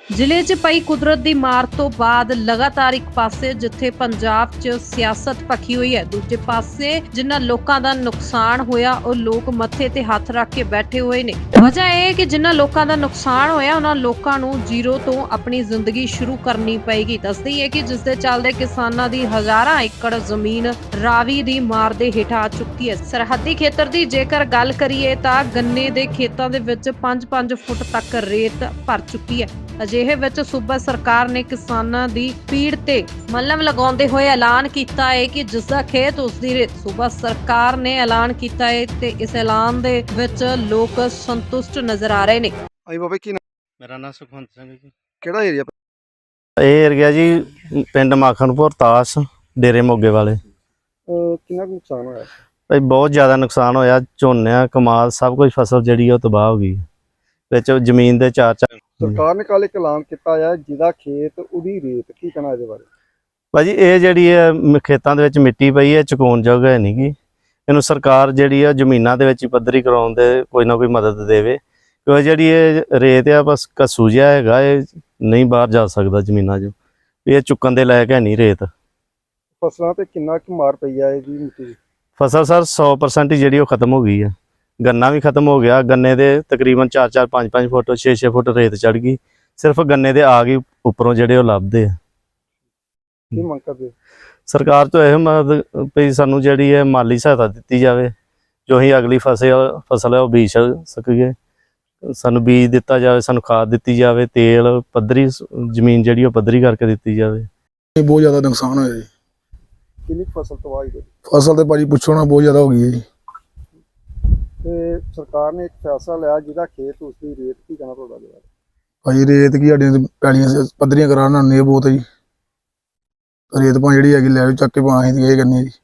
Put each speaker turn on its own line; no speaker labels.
ਜ਼ਿਲ੍ਹੇ 'ਚ ਪਈ ਕੁਦਰਤ ਦੀ ਮਾਰ ਤੋਂ ਬਾਅਦ ਲਗਾਤਾਰ ਇੱਕ ਪਾਸੇ ਜਿੱਥੇ ਪੰਜਾਬ 'ਚ ਸਿਆਸਤ ਭਖੀ ਹੋਈ ਹੈ, ਦੂਜੇ ਪਾਸੇ ਜਿਨ੍ਹਾਂ ਲੋਕਾਂ ਦਾ ਨੁਕਸਾਨ ਹੋਇਆ ਉਹ ਲੋਕ ਮੱਥੇ ਤੇ ਹੱਥ ਰੱਖ ਕੇ ਬੈਠੇ ਹੋਏ ਨੇ। ਵਜ੍ਹਾ ਇਹ ਹੈ ਕਿ ਜਿਨ੍ਹਾਂ ਲੋਕਾਂ ਦਾ ਨੁਕਸਾਨ ਹੋਇਆ ਉਹਨਾਂ ਲੋਕਾਂ ਨੂੰ ਜ਼ੀਰੋ ਤੋਂ ਆਪਣੀ ਜ਼ਿੰਦਗੀ ਸ਼ੁਰੂ ਕਰਨੀ ਪਏਗੀ। ਦੱਸਦੀ ਹੈ ਕਿ ਜਿਸ ਦੇ ਚੱਲਦੇ ਕਿਸਾਨਾਂ ਦੀ ਹਜ਼ਾਰਾਂ ਏਕੜ ਜ਼ਮੀਨ ਰਾਵੀ ਦੀ ਮਾਰ ਦੇ ਹੇਠਾਂ ਆ ਚੁੱਕੀ ਹੈ। ਸਰਹੱਦੀ ਖੇਤਰ ਦੀ ਜੇਕਰ ਗੱਲ ਕਰੀਏ ਤਾਂ ਗੰਨੇ ਦੇ ਖੇਤਾਂ ਦੇ ਵਿੱਚ 5-5 ਫੁੱਟ ਤੱਕ ਰੇਤ ਭਰ ਚੁੱਕੀ ਹੈ। ਅਜਿਹੇ ਵਿੱਚ ਸੂਬਾ ਸਰਕਾਰ ਨੇ ਕਿਸਾਨਾਂ ਦੀ ਪੀੜ ਤੇ ਮੱਲਮ ਲਗਾਉਂਦੇ ਹੋਏ ਐਲਾਨ ਕੀਤਾ ਹੈ ਕਿ ਜਿਸ ਦਾ ਖੇਤ ਉਸ ਦੀ ਰੇਤ। ਸੂਬਾ ਸਰਕਾਰ ਨੇ ਐਲਾਨ ਕੀਤਾ ਹੈ ਤੇ ਇਸ ਐਲਾਨ ਦੇ ਵਿੱਚ ਲੋਕ ਸੰਤੁਸ਼ਟ ਨਜ਼ਰ ਆ ਰਹੇ ਨੇ।
ਆਈ ਬਾਬਾ ਕੀ
ਮੇਰਾ ਨਾਮ ਸੁਖਵੰਤ ਸਿੰਘ ਜੀ।
ਕਿਹੜਾ ਏਰੀਆ?
ਇਹ ਏਰੀਆ ਜੀ ਪਿੰਡ ਮਾਖਣਪੁਰ ਤਾਸ ਡੇਰੇ ਮੋਗੇ ਵਾਲੇ।
ਕਿੰਨਾ ਕੁ ਨੁਕਸਾਨ ਹੋਇਆ?
ਭਾਈ ਬਹੁਤ ਜ਼ਿਆਦਾ ਨੁਕਸਾਨ ਹੋਇਆ। ਝੋਨਾ ਕਮਾਲ ਸਭ ਕੁਝ ਫਸਲ ਜਿਹੜੀ ਉਹ ਤਬਾਹ ਹੋ ਗਈ। ਵਿੱਚ ਜ਼ਮੀਨ ਦੇ ਚਾਰ
ਸਰਕਾਰ ਨੇ ਕੱਲ ਇੱਕ ਐਲਾਨ ਕੀਤਾ ਹੈ ਜਿਹਦਾ ਖੇਤ ਉਹਦੀ ਰੇਤ, ਕੀ ਕਹਿਣਾ ਇਹਦੇ ਬਾਰੇ?
ਭਾਜੀ ਇਹ ਜਿਹੜੀ ਹੈ ਖੇਤਾਂ ਦੇ ਵਿੱਚ ਮਿੱਟੀ ਪਈ ਹੈ, ਚੁਕਾਉਣਯੋਗ ਹੈ ਨਹੀਂ ਗੀ। ਇਹਨੂੰ ਸਰਕਾਰ ਜਿਹੜੀ ਆ ਜ਼ਮੀਨਾਂ ਦੇ ਵਿੱਚ ਹੀ ਪੱਧਰੀ ਕਰਾਉਣ ਦੇ ਕੋਈ ਨਾ ਕੋਈ ਮਦਦ ਦੇਵੇ, ਕਿਉਂਕਿ ਜਿਹੜੀ ਇਹ ਰੇਤ ਆ ਬਸ ਘੱਸੂ ਜਿਹਾ ਹੈਗਾ, ਇਹ ਨਹੀਂ ਬਾਹਰ ਜਾ ਸਕਦਾ ਜ਼ਮੀਨਾਂ 'ਚੋਂ। ਇਹ ਚੁੱਕਣ ਦੇ ਲਾਇਕ ਹੈ ਨਹੀਂ ਰੇਤ।
ਫਸਲਾਂ ਤੇ ਕਿੰਨਾ ਕੁ ਮਾਰ ਪਈ ਹੈ ਇਹਦੀ ਮਿੱਟੀ ਦੀ?
ਫਸਲ ਸਰ 100% ਹੀ ਜਿਹੜੀ ਉਹ ਖਤਮ ਹੋ ਗਈ ਹੈ। ਗੰਨਾ ਵੀ ਖਤਮ ਹੋ ਗਿਆ। ਗੰਨੇ ਦੇ ਤਕਰੀਬਨ 4-4 5-5 ਫੁੱਟ 6-6 ਫੁੱਟ ਰੇਤ ਚੜ ਗਈ। ਸਿਰਫ ਗੰਨੇ ਦੇ ਆ ਗਈ ਉੱਪਰੋਂ ਜਿਹੜੇ ਉਹ ਲੱਭਦੇ ਆ।
ਕੀ ਮੰਗ ਕਰਦੇ?
ਸਰਕਾਰ ਤੋਂ ਇਹ ਮਦਦ ਵੀ ਸਾਨੂੰ ਜਿਹੜੀ ਹੈ ਮਾਲੀ ਸਹਾਇਤਾ ਦਿੱਤੀ ਜਾਵੇ, ਜੋ ਅਸੀਂ ਅਗਲੀ ਫਸਲ ਹੈ ਉਹ ਬੀਜ ਸਕੀਏ। ਸਾਨੂੰ ਬੀਜ ਦਿੱਤਾ ਜਾਵੇ, ਸਾਨੂੰ ਖਾਦ ਦਿੱਤੀ ਜਾਵੇ, ਤੇਲ ਪੱਧਰੀ ਜ਼ਮੀਨ ਜਿਹੜੀ ਉਹ ਪੱਧਰੀ ਕਰਕੇ ਦਿੱਤੀ ਜਾਵੇ।
ਬਹੁਤ ਜ਼ਿਆਦਾ ਨੁਕਸਾਨ ਹੋਇਆ ਜੀ।
ਕਿੰਨੀ ਫਸਲ ਤਬਾਹ ਹੋਈ?
ਫਸਲ ਤੇ ਭਾਜੀ ਪੁੱਛੋ ਨਾ, ਬਹੁਤ ਜ਼ਿਆਦਾ ਹੋ ਗਈ ਹੈ ਜੀ।
ਤੇ ਸਰਕਾਰ ਨੇ ਇੱਕ ਫੈਸਲਾ ਲਿਆ ਜਿਹਦਾ ਖੇਤ ਉਸ ਦੀ ਰੇਤ, ਕੀ ਕਹਿਣਾ ਤੁਹਾਡਾ?
ਭਾਜੀ ਰੇਤ ਕੀ ਸਾਡੀਆਂ ਪੈਲੀਆਂ ਪੱਧਰੀਆਂ ਕਰਾਉਣ ਨਾਲ ਨੇ ਬਹੁਤ ਹੈ ਜੀ। ਰੇਤ ਭਾਂ ਜਿਹੜੀ ਹੈਗੀ ਲੈ ਚੱਕ ਕੇ ਭਾਂ ਅਸੀਂ ਇਹ ਕਰਨੀ ਹੈ ਜੀ।